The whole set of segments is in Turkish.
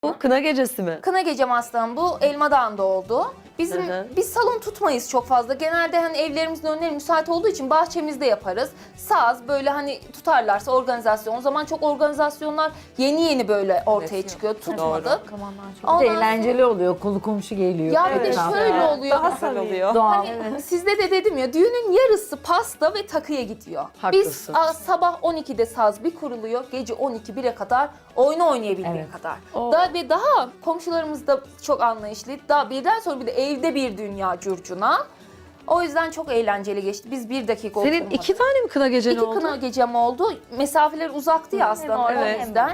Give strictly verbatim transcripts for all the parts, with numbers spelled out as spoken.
Bu kına gecesi mi? Kına gecem aslanım bu Elmadağ'ında oldu. Bizim Hı hı. biz salon tutmayız çok fazla. Genelde hani evlerimizin önleri müsait olduğu için bahçemizde yaparız. Saz böyle hani tutarlarsa organizasyon. O zaman çok organizasyonlar yeni yeni böyle ortaya Evet, çıkıyor. doğru. Tutmadık. Bir Ondan de sonra- eğlenceli oluyor. Kolu komşu geliyor. Ya bir de Evet. şöyle oluyor. Daha güzel oluyor. Doğal. Hani sizde de dedim ya düğünün yarısı pasta ve takıya gidiyor. Haklısın. Biz a, sabah on ikide saz bir kuruluyor. Gece on iki bire kadar oyunu oynayabildiği Evet. kadar. Oo. Daha ve daha komşularımız da çok anlayışlı. Daha birden sonra bir de evde bir dünya curcuna. O yüzden çok eğlenceli geçti. Biz bir dakika Senin oturmadık. iki tane mi kına gecen İki oldu? kına gecem oldu. Mesafeler uzaktı ya aslında. Evet. O yüzden.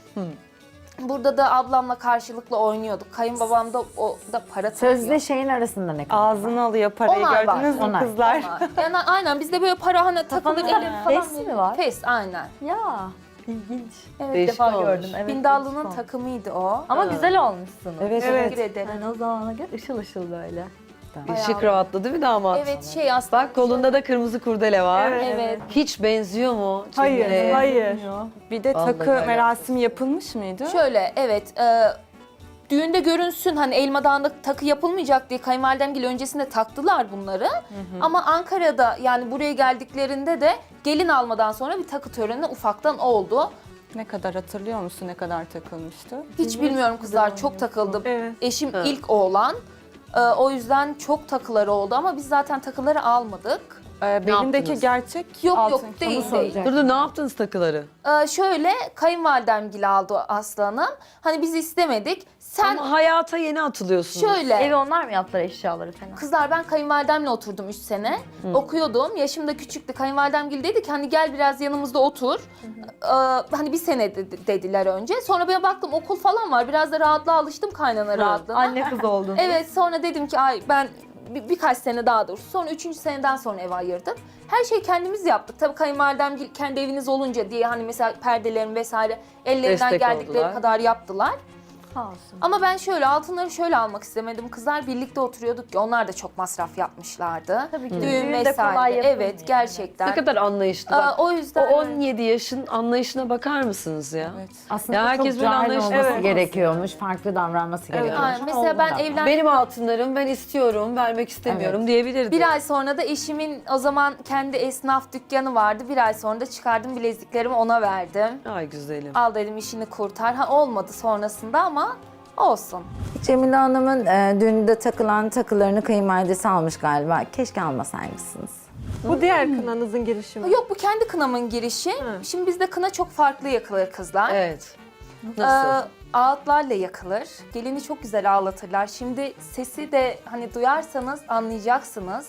Burada da ablamla karşılıklı oynuyorduk. Kayınbabam da o da para takıyor. Sözle şeyin arasında ne kadar? Ağzını alıyor parayı, Onlar var, gördünüz mü onlar. kızlar? Yani aynen bizde böyle para hani takılır Kafanızda elin falan. fes mi var? Fes aynen. Ya ilginç. Evet, Değişik defa olmuş. gördüm. Evet, Bindallı'nın değişik olmuş. takımıydı o. Ama Ha. güzel olmuşsunuz. Evet, Teşekkür ederim. Yani o zamana göre ışıl ışıl böyle. Yeşil kravatlı değil mi damat? Evet şey aslında. Bak kolunda da kırmızı kurdele var. Evet. Evet. Hiç benziyor mu? Hayır, Cemile? hayır. Bir de Vallahi takı öyle. merasimi yapılmış mıydı? Şöyle evet. E, düğünde görünsün hani Elmadağ'da takı yapılmayacak diye kayınvalidemgil öncesinde taktılar bunları. Ama Ankara'da yani buraya geldiklerinde de gelin almadan sonra bir takı töreni ufaktan oldu. Ne kadar hatırlıyor musun ne kadar takılmıştı? Hiç bilmiyorum kızlar çok takıldı. Evet. Eşim Ha. ilk oğlan. E, o yüzden çok takıları oldu ama biz zaten takıları almadık. Ee, belindeki yaptınız? gerçek Yok altın. yok değil Onu değil. soracak. Dur dur ne yaptınız takıları? Ee, şöyle kayınvalidemgil aldı aslanım. Hani biz istemedik. Sen Ama hayata yeni atılıyorsunuz. şöyle Evi onlar mı yaptılar eşyaları falan? kızlar ben kayınvalidemle oturdum üç sene. Okuyordum. Yaşım da küçüktü. Kayınvalidemgil dedi ki hani gel biraz yanımızda otur. Ee, hani bir sene dedi- dediler önce. Sonra ben baktım okul falan var. Biraz da rahatlığa alıştım kaynana rahatlığına. Anne kız oldun. Evet sonra dedim ki ay ben bir, birkaç sene daha dur. Sonra üçüncü seneden sonra ev ayırdım. Her şeyi kendimiz yaptık. Tabii kayınvalidem kendi eviniz olunca diye hani mesela perdelerin vesaire ellerinden Destek geldikleri oldular. kadar yaptılar. Sağ olsun. Ama ben şöyle altınları şöyle almak istemedim. Kızlar birlikte oturuyorduk ki onlar da çok masraf yapmışlardı. Tabii ki. Düğün Düğün de vesaire. kolay yapılmıyor Evet yani. gerçekten. Ne kadar anlayışlı. Aa, Bak, o o yüzden on yedi yaşın anlayışına bakar mısınız ya? Evet. Aslında Ya herkes çok böyle cahil anlayışlı olması olsun. gerekiyormuş. Farklı davranması gerekiyormuş. Aynen. Ama Mesela oldu ben da. evlen Benim altınlarım ben istiyorum, vermek istemiyorum Evet. diyebilirdi. bir ay sonra da eşimin o zaman kendi esnaf dükkanı vardı. Bir ay sonra da çıkardım bileziklerimi ona verdim. Ay güzelim. Al dedim işini kurtar. Ha olmadı sonrasında ama olsun. Cemile Hanım'ın e, düğünde takılan takılarını kayınvalidesi almış galiba. Keşke almasaymışsınız. Bu diğer kınanızın girişimi. Yok bu kendi kınamın girişi. Şimdi bizde kına çok farklı yakılır kızlar. Evet. Nasıl? Ee, ağıtlarla yakılır. Gelini çok güzel ağlatırlar. Şimdi sesi de hani duyarsanız anlayacaksınız.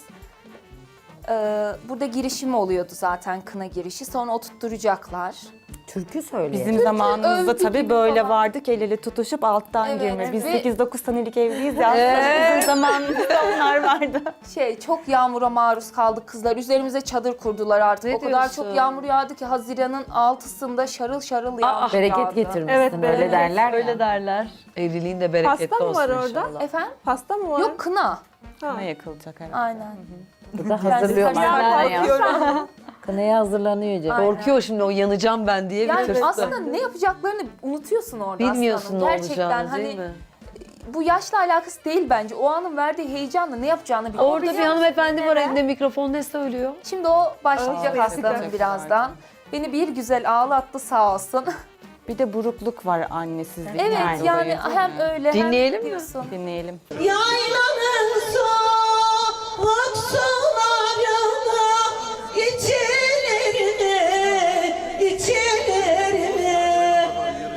Ee, burada girişim oluyordu zaten kına girişi. Sonra oturtturacaklar. Türkü söylüyor. Bizim zamanımızda övgü tabii gibi böyle falan. vardık el ele tutuşup alttan Evet, girme. Biz ve- sekiz dokuz senelik evliyiz ya. Aslında bizim zamanımızda onlar vardı. Şey çok yağmura maruz kaldık kızlar. Üzerimize çadır kurdular artık. Ne o kadar diyorsun? çok yağmur yağdı ki Haziran'ın altısında şarıl şarıl yağmur Bereket yağdı. getirmişsin Evet, öyle bereket. derler ya. Öyle derler. Evliliğin de bereketli Pasta mı olsun var orada? inşallah. Efendim? Pasta mı var? Yok kına. Kına yakılacak herhalde. Aynen. Burada Ben hazırlıyorlar. size Kınaya. bakıyorum. Kınaya hazırlanıyor Cemile. Aynen. Korkuyor şimdi o yanacağım ben diye bir Yani tırstı. aslında ne yapacaklarını unutuyorsun orada Bilmiyorsun aslanım. ne Gerçekten olacağını hani değil mi? bu yaşla alakası değil bence. O anın verdiği heyecanla ne yapacağını biliyor. Orada bir hanımefendi var elinde mikrofon ne söylüyor? Şimdi o başlayacak Aa, aslanım evet. birazdan. Beni bir güzel ağlattı sağ olsun. Bir de burukluk var annesizlik. Evet dolayı, yani değil hem mi? öyle Dinleyelim hem mi? diyorsun. Dinleyelim. Yaylanın soğuk sularını içilerine, içilerine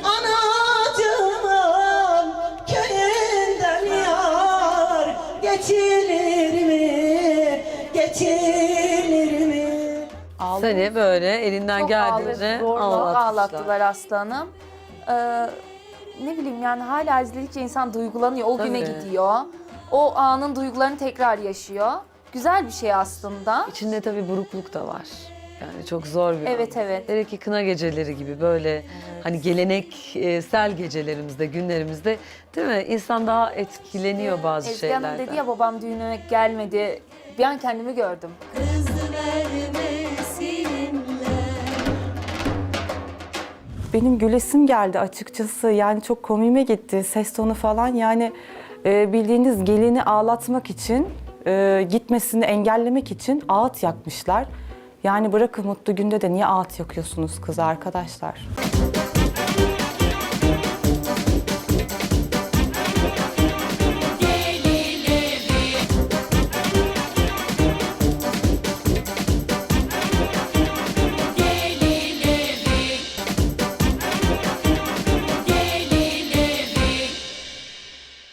anacığımın köyünden yar geçilir mi, geçilir mi? Seni böyle elinden Çok geldiğince ağladı, zorla ağlatmışlar. ağlattılar aslanım. Ee, ne bileyim yani hala izledikçe insan duygulanıyor. O güne Tabii. gidiyor. O anın duygularını tekrar yaşıyor. Güzel bir şey aslında. İçinde tabii burukluk da var. Yani çok zor bir Evet, an. evet. Hele ki kına geceleri gibi böyle hani geleneksel gecelerimizde, günlerimizde değil mi? İnsan daha etkileniyor bazı Ezgi Hanım şeylerden. dedi ya babam düğüne gelmedi. Bir an kendimi gördüm. Kız vermesinler. benim gülesim geldi açıkçası. Yani çok komiğime gitti. Ses tonu falan yani e, bildiğiniz gelini ağlatmak için, e, gitmesini engellemek için ağıt yakmışlar. Yani bırakın mutlu günde de niye ağıt yakıyorsunuz kız arkadaşlar?